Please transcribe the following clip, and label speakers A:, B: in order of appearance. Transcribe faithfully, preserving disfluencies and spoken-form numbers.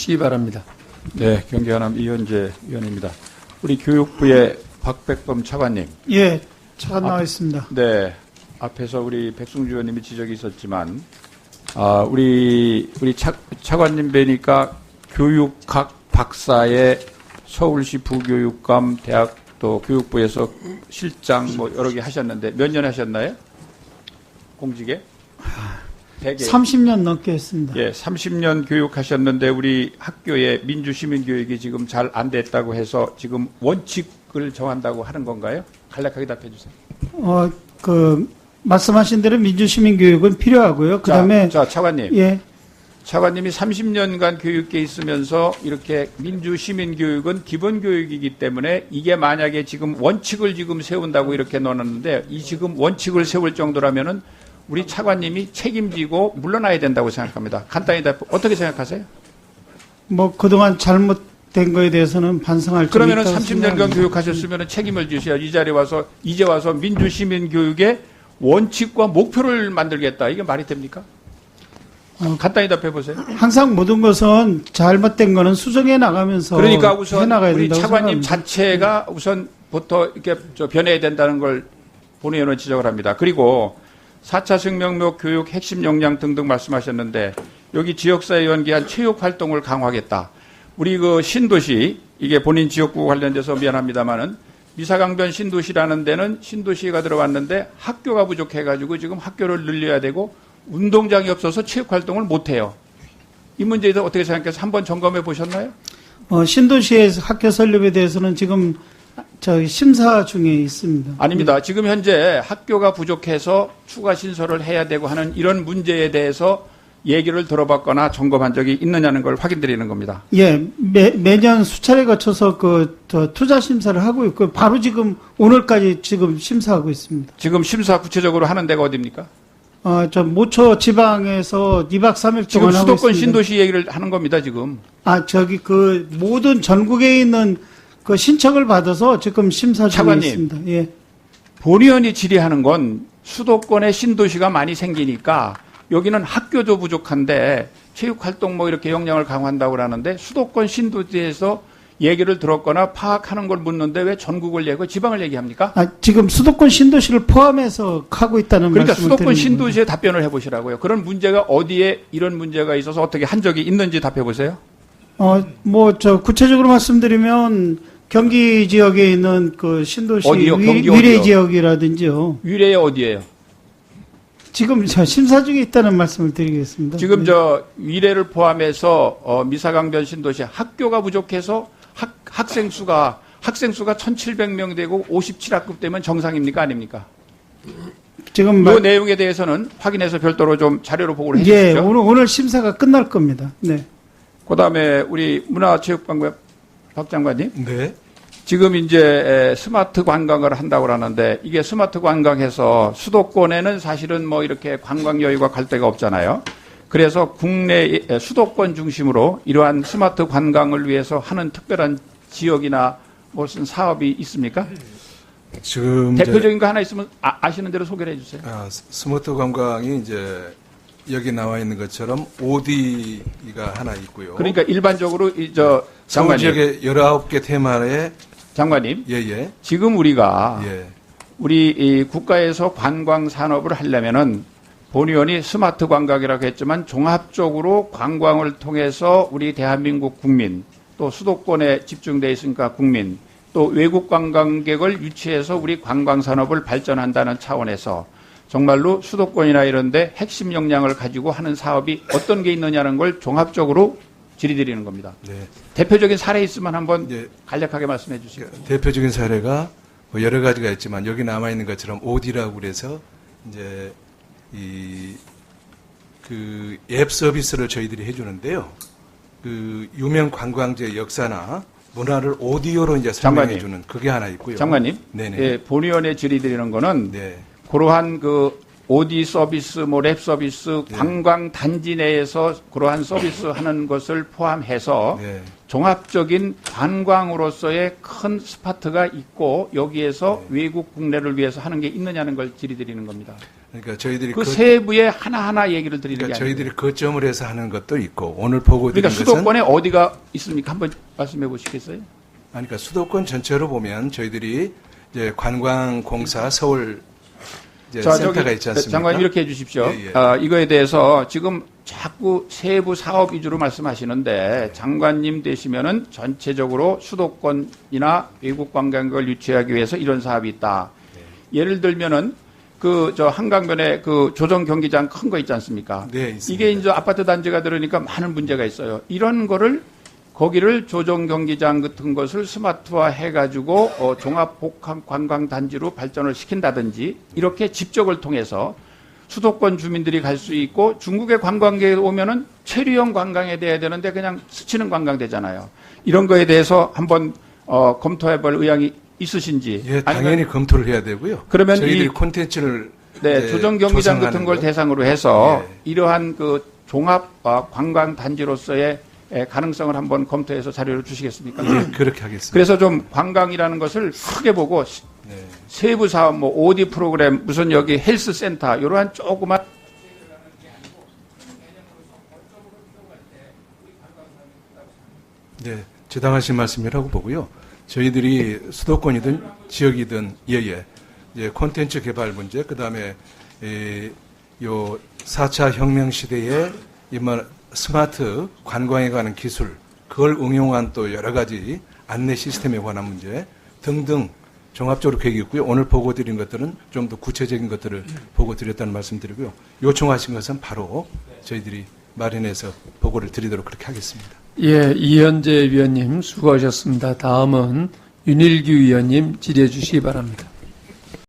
A: 시기 바랍니다.
B: 네, 경기하남 이현재 의원입니다. 우리 교육부의 박백범 차관님.
C: 예, 차관 나와 있습니다.
B: 네, 앞에서 우리 백승주 의원님이 지적이 있었지만, 아, 우리 우리 차, 차관님 뵈니까 교육학 박사의 서울시 부교육감 대학 또 교육부에서 실장 뭐 여러 개 하셨는데 몇 년 하셨나요? 공직에? 대개.
C: 삼십 년 넘게 했습니다.
B: 예, 삼십 년 교육하셨는데 우리 학교의 민주시민교육이 지금 잘 안 됐다고 해서 지금 원칙을 정한다고 하는 건가요? 간략하게 답해 주세요.
C: 어, 그 말씀하신 대로 민주시민교육은 필요하고요. 그다음에
B: 자, 자, 차관님.
C: 예.
B: 차관님이 삼십 년간 교육계에 있으면서 이렇게 민주시민교육은 기본교육이기 때문에 이게 만약에 지금 원칙을 지금 세운다고 이렇게 넣었는데 이 지금 원칙을 세울 정도라면은 우리 차관님이 책임지고 물러나야 된다고 생각합니다. 간단히 답, 어떻게 생각하세요?
C: 뭐 그동안 잘못된 거에 대해서는 반성할 점이
B: 그러면은
C: 있다고
B: 삼십 년간
C: 생각합니다.
B: 교육하셨으면 책임을 지셔야 이 자리에 와서 이제 와서 민주시민교육의 원칙과 목표를 만들겠다. 이게 말이 됩니까?
C: 어,
B: 간단히 답해 보세요.
C: 항상 모든 것은 잘못된 거는 수정해 나가면서
B: 그러니까 우선
C: 해나가야
B: 우리
C: 된다고
B: 차관님
C: 생각합니다.
B: 자체가 우선부터 이렇게 저 변해야 된다는 걸 본의원은 지적을 합니다. 그리고 사 차 생명력 교육 핵심 역량 등등 말씀하셨는데 여기 지역사회 연계한 체육 활동을 강화하겠다. 우리 그 신도시 이게 본인 지역구 관련돼서 미안합니다만은 미사강변 신도시라는 데는 신도시가 들어왔는데 학교가 부족해가지고 지금 학교를 늘려야 되고 운동장이 없어서 체육 활동을 못 해요. 이 문제에 대해서 어떻게 생각해서 한번 점검해 보셨나요?
C: 어, 신도시의 학교 설립에 대해서는 지금 저 심사 중에 있습니다.
B: 아닙니다. 지금 현재 학교가 부족해서 추가 신설을 해야 되고 하는 이런 문제에 대해서 얘기를 들어봤거나 점검한 적이 있느냐는 걸 확인드리는 겁니다.
C: 예, 매, 매년 수차례 거쳐서 그, 저, 투자 심사를 하고 있고, 바로 지금, 오늘까지 지금 심사하고 있습니다.
B: 지금 심사 구체적으로 하는 데가 어디입니까?
C: 어, 저, 모초 지방에서 이 박 삼 일
B: 지금
C: 동안 하고
B: 수도권
C: 있습니다.
B: 신도시 얘기를 하는 겁니다, 지금.
C: 아, 저기 그, 모든 전국에 있는 그 신청을 받아서 지금 심사 중에
B: 차관님.
C: 있습니다. 예.
B: 본의원이 질의하는 건 수도권에 신도시가 많이 생기니까 여기는 학교도 부족한데 체육활동 뭐 이렇게 역량을 강화한다고 하는데 수도권 신도시에서 얘기를 들었거나 파악하는 걸 묻는데 왜 전국을 얘기하고 지방을 얘기합니까?
C: 아, 지금 수도권 신도시를 포함해서 하고 있다는
B: 그러니까
C: 말씀을
B: 수도권
C: 드리는
B: 신도시에 답변을 해보시라고요. 그런 문제가 어디에 이런 문제가 있어서 어떻게 한 적이 있는지 답해보세요.
C: 어, 뭐, 저, 구체적으로 말씀드리면, 경기 지역에 있는 그 신도시
B: 어디요?
C: 위,
B: 경기
C: 위례
B: 어디요?
C: 지역이라든지요.
B: 위례에 어디예요?
C: 지금 저 심사 중에 있다는 말씀을 드리겠습니다.
B: 지금
C: 네.
B: 저 위례를 포함해서 어, 미사강변 신도시 학교가 부족해서 학, 학생 수가 학생 수가 천칠백 명 되고 오십칠 학급 되면 정상입니까 아닙니까?
C: 지금
B: 이
C: 말,
B: 내용에 대해서는 확인해서 별도로 좀 자료로 보고를 해
C: 예,
B: 주시죠.
C: 오늘 오늘 심사가 끝날 겁니다. 네.
B: 그다음에 우리 문화체육관광 박 장관님.
D: 네.
B: 지금 이제 스마트 관광을 한다고 하는데 이게 스마트 관광해서 수도권에는 사실은 뭐 이렇게 관광 여유가 갈 데가 없잖아요. 그래서 국내 수도권 중심으로 이러한 스마트 관광을 위해서 하는 특별한 지역이나 무슨 사업이 있습니까?
D: 지금
B: 대표적인 거 하나 있으면 아, 아시는 대로 소개를 해주세요.
D: 아, 스마트 관광이 이제 여기 나와 있는 것처럼 오디가 하나 있고요.
B: 그러니까 일반적으로 이저
D: 서울
B: 장관님,
D: 지역의 열아홉 개 테마에
B: 장관님,
D: 예예
B: 지금 우리가
D: 예.
B: 우리 이 국가에서 관광 산업을 하려면은 본의원이 스마트 관광이라고 했지만 종합적으로 관광을 통해서 우리 대한민국 국민 또 수도권에 집중돼 있으니까 국민 또 외국 관광객을 유치해서 우리 관광 산업을 발전한다는 차원에서 정말로 수도권이나 이런 데 핵심 역량을 가지고 하는 사업이 어떤 게 있느냐는 걸 종합적으로 질의드리는 겁니다.
D: 네.
B: 대표적인 사례 있으면 한번
D: 예.
B: 간략하게 말씀해 주시죠.
D: 대표적인 사례가 뭐 여러 가지가 있지만 여기 남아 있는 것처럼 오디라고 그래서 이제 이 그 앱 서비스를 저희들이 해주는데요. 그 유명 관광지의 역사나 문화를 오디오로 이제 설명해주는 그게 하나 있고요.
B: 장관님,
D: 네네.
B: 예, 본의원에 질의드리는 거는
D: 네.
B: 그러한 그 오디 서비스, 뭐 랩 서비스,
D: 네.
B: 관광 단지 내에서 그러한 서비스 하는 것을 포함해서
D: 네.
B: 종합적인 관광으로서의 큰 스파트가 있고 여기에서
D: 네.
B: 외국 국내를 위해서 하는 게 있느냐는 걸 질의드리는 겁니다.
D: 그러니까 저희들이
B: 그
D: 그,
B: 세부에 하나하나 얘기를 드리는
D: 그러니까
B: 게 아니에요.
D: 저희들이 거점을 해서 하는 것도 있고 오늘 보고 드린
B: 그러니까
D: 것은
B: 수도권에 어디가 있습니까? 한번 말씀해 보시겠어요?
D: 아니, 그러니까 수도권 전체로 보면 저희들이 이제 관광공사 서울 이제
B: 자,
D: 센터가
B: 저기
D: 있지 않습니까?
B: 장관님 이렇게 해 주십시오.
D: 예, 예.
B: 아, 이거에 대해서 지금 자꾸 세부 사업 위주로 말씀하시는데 장관님 되시면은 전체적으로 수도권이나 외국 관광객을 유치하기 위해서 이런 사업이 있다. 예를 들면은 그 저 한강변에 그 조정 경기장 큰 거 있지 않습니까?
D: 네, 있습니다.
B: 이게 이제 아파트 단지가 들으니까 많은 문제가 있어요. 이런 거를 거기를 조정 경기장 같은 것을 스마트화 해가지고 어, 종합 복합 관광 단지로 발전을 시킨다든지 이렇게 집적을 통해서 수도권 주민들이 갈 수 있고 중국의 관광객이 오면은 체류형 관광에 돼야 되는데 그냥 스치는 관광 되잖아요. 이런 거에 대해서 한번 어, 검토해볼 의향이 있으신지.
D: 예,
B: 아니면
D: 당연히 검토를 해야 되고요.
B: 그러면
D: 저희들이
B: 이-
D: 콘텐츠를
B: 네,
D: 이제
B: 조정 경기장 같은
D: 조성하는
B: 걸
D: 거.
B: 대상으로 해서
D: 예.
B: 이러한 그 종합 어, 관광 단지로서의 에, 가능성을 한번 검토해서 자료를 주시겠습니까?
D: 예, 그렇게 하겠습니다.
B: 그래서 좀 관광이라는 것을 크게 보고 시-
D: 네.
B: 세부 사업, 뭐 오디 프로그램, 무슨 여기 헬스 센터 이러한 조그만
D: 네, 적당하신 말씀이라고 보고요. 저희들이 수도권이든 지역이든 예예, 이제 콘텐츠 개발 문제, 그 다음에 요 사 차 혁명 시대에 이만 스마트 관광에 관한 기술, 그걸 응용한 또 여러 가지 안내 시스템에 관한 문제 등등 종합적으로 계획이 있고요. 오늘 보고 드린 것들은 좀 더 구체적인 것들을 보고 드렸다는 말씀 드리고요. 요청하신 것은 바로 저희들이 마련해서 보고를 드리도록 그렇게 하겠습니다.
A: 예, 이현재 위원님 수고하셨습니다. 다음은 윤일규 위원님 질의해 주시기 바랍니다.